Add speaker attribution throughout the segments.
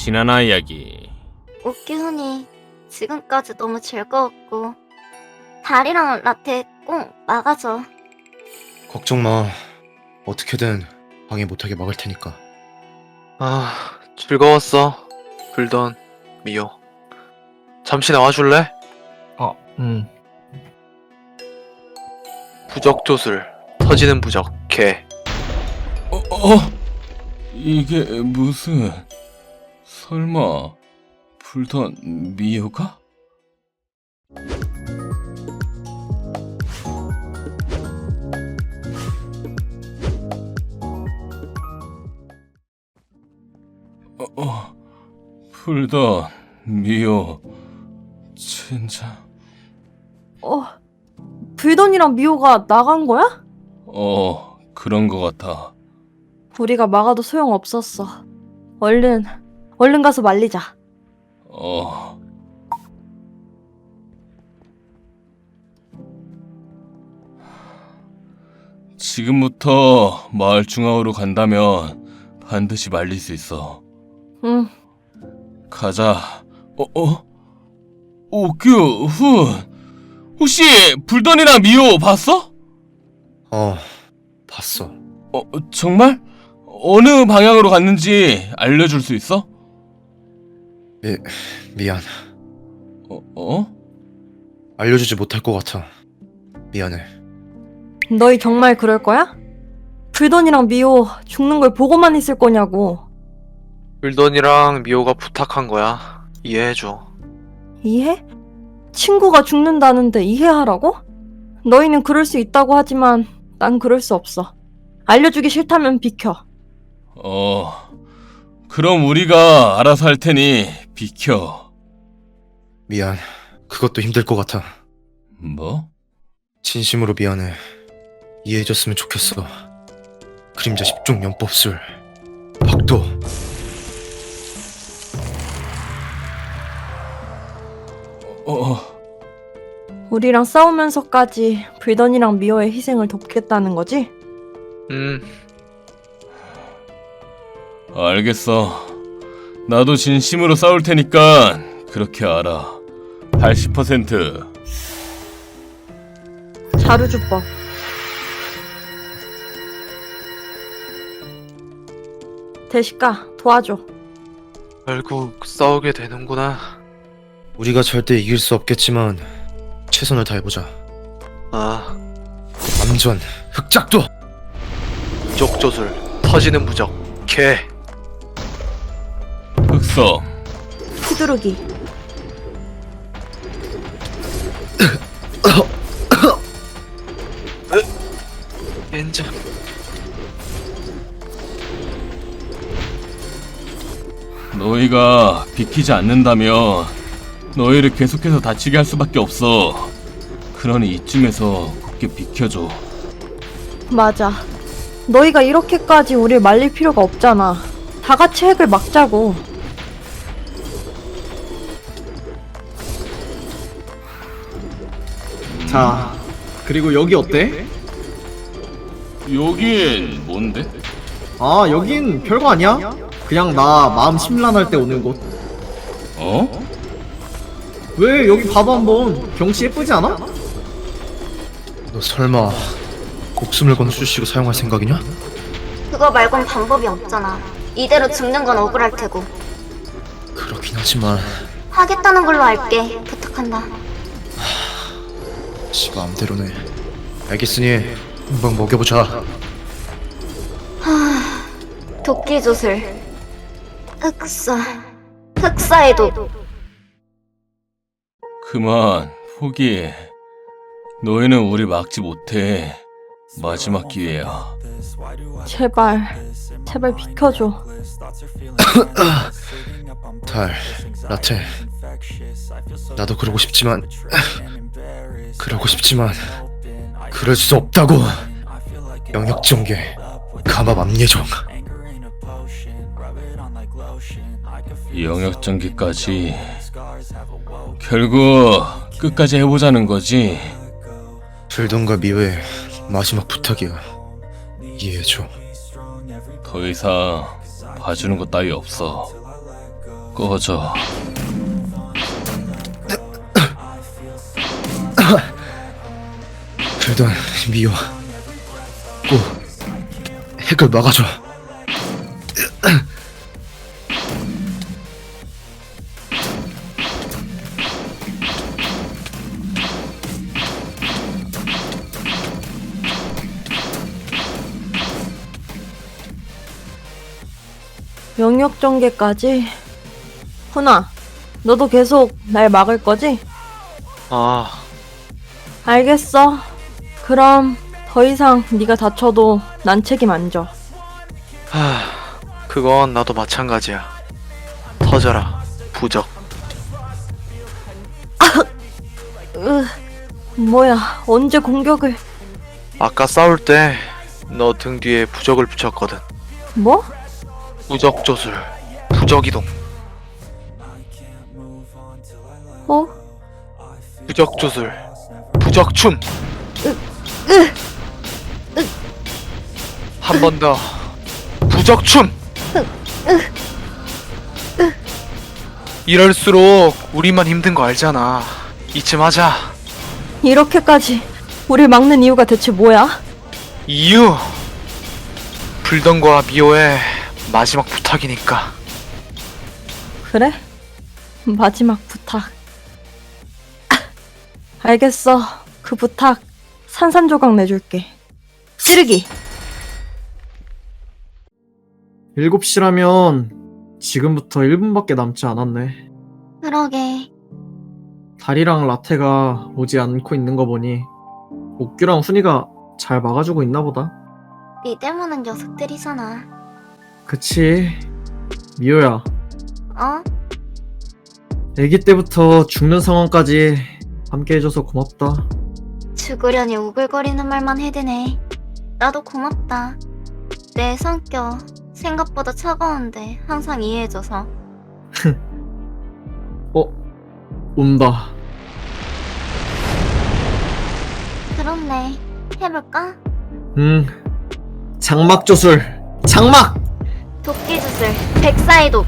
Speaker 1: 지나나 이야기.
Speaker 2: 오키훈이 지금까지 너무 즐거웠고 달이랑 라테 꼭 막아줘.
Speaker 3: 걱정 마. 어떻게든 방해 못하게 막을 테니까.
Speaker 4: 아, 즐거웠어. 불던 미호. 잠시 나와줄래? 부적 조술. 터지는 부적. 개.
Speaker 1: 이게 무슨... 설마... 불던 미호가? 불던 미호... 진짜...
Speaker 5: 불던이랑 미호가 나간 거야?
Speaker 1: 그런 거 같아.
Speaker 5: 우리가 막아도 소용없었어. 얼른 가서 말리자.
Speaker 1: 지금부터 마을 중앙으로 간다면 반드시 말릴 수 있어.
Speaker 5: 응.
Speaker 1: 가자. 오규훈, 혹시 불던이랑 미호 봤어?
Speaker 3: 봤어.
Speaker 1: 정말? 어느 방향으로 갔는지 알려줄 수 있어?
Speaker 3: 미안.
Speaker 1: 어?
Speaker 3: 알려주지 못할 것 같아. 미안해.
Speaker 5: 너희 정말 그럴 거야? 불던이랑 미호 죽는 걸 보고만 있을 거냐고.
Speaker 4: 불던이랑 미호가 부탁한 거야. 이해해줘.
Speaker 5: 이해? 친구가 죽는다는데 이해하라고? 너희는 그럴 수 있다고 하지만 난 그럴 수 없어. 알려주기 싫다면 비켜.
Speaker 1: 그럼 우리가 알아서 할 테니 비켜.
Speaker 3: 미안. 그것도 힘들 것 같아.
Speaker 1: 뭐?
Speaker 3: 진심으로 미안해. 이해해줬으면 좋겠어. 그림자 10종 연법술 박도.
Speaker 5: 우리랑 싸우면서까지 불던이랑 미호의 희생을 돕겠다는 거지?
Speaker 1: 알겠어. 나도 진심으로 싸울 테니까 그렇게 알아. 80%.
Speaker 5: 자루주법. 대식가 도와줘.
Speaker 4: 결국 싸우게 되는구나.
Speaker 3: 우리가 절대 이길 수 없겠지만 최선을 다해보자.
Speaker 4: 아,
Speaker 3: 암전 흑작도.
Speaker 4: 부적 조술. 터지는 부적. 개.
Speaker 1: 흑섬.
Speaker 5: 휘두르기.
Speaker 4: 엔저.
Speaker 1: 너희가 비키지 않는다면 너희를 계속해서 다치게 할 수밖에 없어. 그러니 이쯤에서 굳게 비켜줘.
Speaker 5: 맞아. 너희가 이렇게까지 우릴 말릴 필요가 없잖아. 다 같이 핵을 막자고.
Speaker 6: 자, 그리고 여기 어때?
Speaker 1: 여긴 뭔데?
Speaker 6: 아, 여긴 별거 아니야. 그냥 나 마음 심란할 때 오는 곳. 왜 여기 봐봐 한번. 경치 예쁘지 않아?
Speaker 3: 너 설마 목숨을 건 수시로 사용할 생각이냐?
Speaker 2: 그거 말곤 방법이 없잖아. 이대로 죽는 건 억울할 테고.
Speaker 3: 그렇긴 하지만
Speaker 2: 하겠다는 걸로 알게. 부탁한다.
Speaker 3: 지 마음대로네. 알겠으니 한번 먹여보자.
Speaker 2: 도끼 조술. 흑사의 독.
Speaker 1: 그만 포기해. 너희는 우리 막지 못해. 마지막 기회야.
Speaker 5: 제발 비켜줘.
Speaker 3: 달, 라테. 나도 그러고 싶지만 그럴 수 없다고. 영역전개 감압 압예정.
Speaker 1: 영역전기까지 결국 끝까지 해보자는 거지.
Speaker 3: 불던과 미호의 마지막 부탁이야. 이해해줘.
Speaker 1: 더 이상 봐주는 것 따위 없어. 꺼져.
Speaker 3: 불던 미호 꼭 핵을 막아줘.
Speaker 5: 영역 전개까지? 훈아, 너도 계속 날 막을 거지?
Speaker 4: 아,
Speaker 5: 알겠어. 그럼 더 이상 네가 다쳐도 난 책임 안 져.
Speaker 4: 그건 나도 마찬가지야. 터져라, 부적.
Speaker 5: 뭐야, 언제 공격을...
Speaker 4: 아까 싸울 때 너 등 뒤에 부적을 붙였거든.
Speaker 5: 뭐?
Speaker 4: 부적 조술, 부적 이동.
Speaker 5: 어?
Speaker 4: 부적 조술, 부적 춤. 한 번 더. 부적 춤. 이럴수록 우리만 힘든 거 알잖아. 이쯤 하자.
Speaker 5: 이렇게까지 우릴 막는 이유가 대체 뭐야?
Speaker 4: 이유. 불던과 미호의 마지막 부탁이니까.
Speaker 5: 그래? 마지막 부탁. 알겠어. 그 부탁 산산조각 내줄게. 찌르기.
Speaker 6: 7시라면 지금부터 1분밖에 남지 않았네.
Speaker 2: 그러게.
Speaker 6: 다리랑 라테가 오지 않고 있는 거 보니 옥규랑 훈이가 잘 막아주고 있나 보다.
Speaker 2: 믿을 만한 녀석들이잖아.
Speaker 6: 그치. 미호야,
Speaker 2: 어?
Speaker 6: 아기 때부터 죽는 상황까지 함께 해줘서 고맙다.
Speaker 2: 죽으려니 우글거리는 말만 해대네. 나도 고맙다. 내 성격 생각보다 차가운데 항상 이해해줘서.
Speaker 6: 온다.
Speaker 2: 그렇네. 해볼까?
Speaker 6: 장막 조술. 장막!
Speaker 2: 도끼주술 백사이도.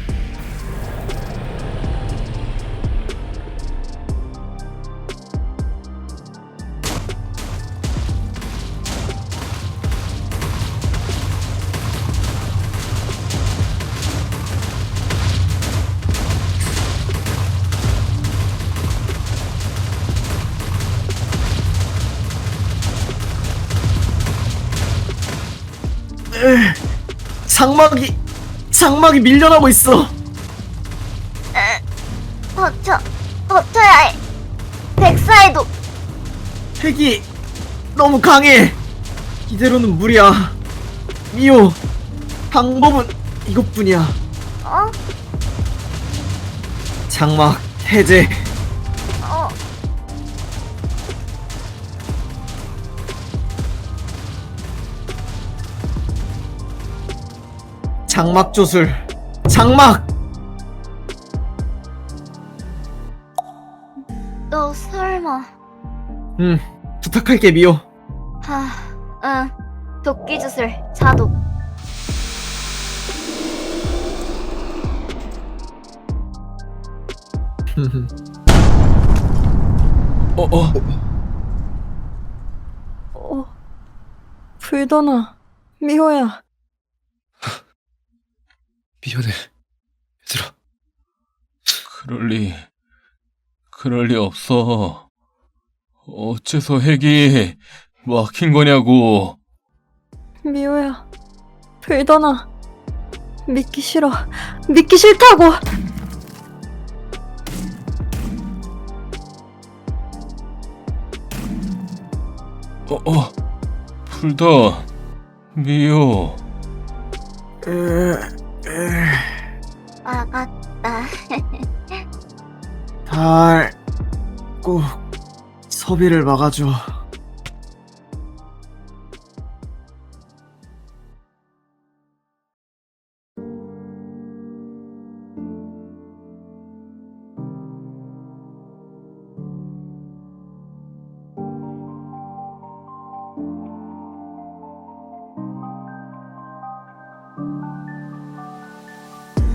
Speaker 6: 장막이 밀려나고 있어.
Speaker 2: 버텨야 해. 백사이도.
Speaker 6: 핵이 너무 강해. 이대로는 무리야. 미호, 방법은 이것뿐이야.
Speaker 2: 어?
Speaker 6: 장막 해제.
Speaker 2: 어?
Speaker 6: 장막 조술. 장막.
Speaker 2: 너 설마.
Speaker 6: 부탁할게 미호.
Speaker 2: 응. 도끼주술 자독.
Speaker 5: 불더나. 미호야.
Speaker 3: 미안해, 얘들아.
Speaker 1: 그럴 리 없어. 어째서 핵이 막힌 거냐고.
Speaker 5: 미호야. 불더나. 믿기 싫어. 믿기 싫다고.
Speaker 1: 불던, 미호.
Speaker 2: 막았다.
Speaker 6: 달, 꼭 서비를 막아줘.